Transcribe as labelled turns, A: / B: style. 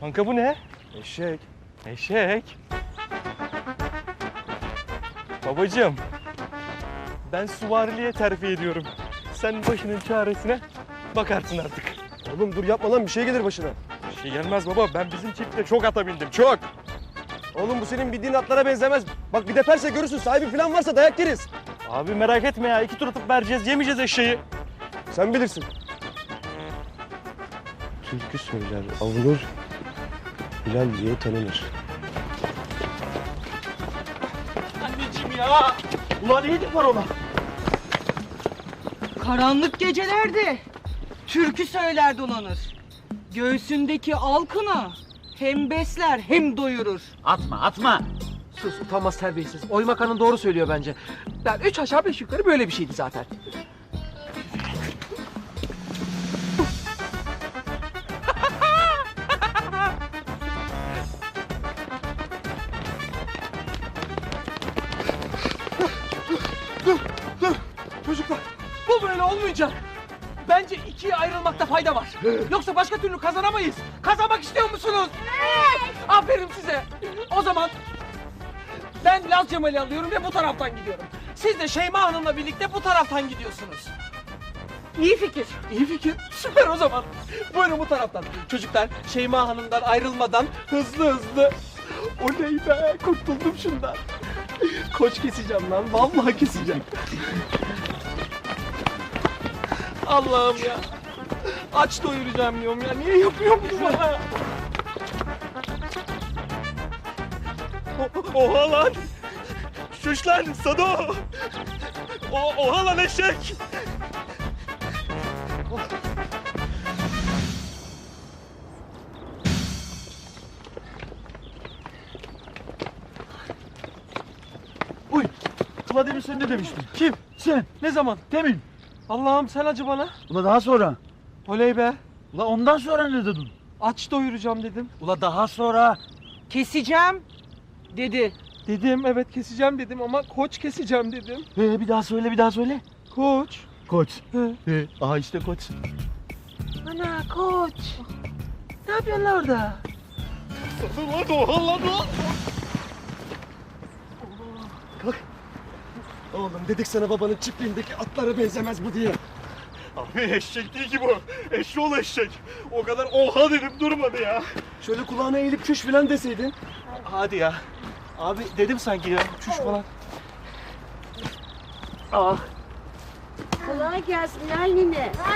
A: Kanka bu ne?
B: Eşek.
A: Eşek. Babacığım, ben süvariliğe terfi ediyorum. Sen başının çaresine bakarsın artık.
B: Oğlum dur yapma lan, bir şey gelir başına.
A: Bir şey gelmez baba, ben bizim çiftle çok ata bindim, çok.
B: Oğlum bu senin bildiğin atlara benzemez. Bak bir deperse görürsün, sahibi falan varsa dayak yeriz.
A: Abi merak etme ya, 2 tur atıp vereceğiz, yemeyeceğiz eşeği.
B: Sen bilirsin. Türkü söyler, avunur, Bilal diye tanınır.
A: Anneciğim ya! Ulan iyilik var ona.
C: Karanlık gecelerde türkü söyler dolanır. Göğsündeki alkına hem besler hem doyurur.
D: Atma.
E: Sus, utanmaz terbiyesiz. Oymak Hanım doğru söylüyor bence. Yani 3 aşağı 5 yukarı böyle bir şeydi zaten. Çocuklar, bu böyle olmayacak. Bence ikiye ayrılmakta fayda var. Yoksa başka türlü kazanamayız. Kazanmak istiyor musunuz? Evet. Aferin size. O zaman ben Laz Cemal'i alıyorum ve bu taraftan gidiyorum. Siz de Şeyma Hanım'la birlikte bu taraftan gidiyorsunuz. İyi fikir. İyi fikir. Süper o zaman. Buyurun bu taraftan. Çocuklar Şeyma Hanım'dan ayrılmadan hızlı. Oley be, kurtuldum şundan. Koç keseceğim lan. Vallahi keseceğim. Allah'ım ya. Aç doyuracağım diyorum ya. Niye yapıyorum bunu bana?
A: Oha lan! Şuş lan, Sado! Oha lan eşek!
E: Uy. Vladimir sen ne demiştin? Kim? Sen. Ne zaman? Demin. Allah'ım sen acı bana.
D: Ula daha sonra.
E: Oley be.
D: Ula ondan sonra ne dedin?
E: Aç doyuracağım dedim.
D: Ula daha sonra.
C: Keseceğim dedi.
E: Dedim evet keseceğim dedim ama koç keseceğim dedim.
D: Bir daha söyle.
E: Koç.
D: Koç.
E: He.
D: Aha işte koç.
E: Ana koç. Ne yapıyorsun lan orada?
A: Oha lan o!
B: Oğlum dedik sana babanın çiftliğindeki atlara benzemez bu diye.
A: Abi eşek değil ki bu. Eşşoğlu eşek. O kadar oha dedim durmadı ya.
B: Şöyle kulağına eğilip çüş falan deseydin.
A: Hadi ya. Abi dedim sanki ya. Çüş falan.
F: Kolay gelsin Lal nine.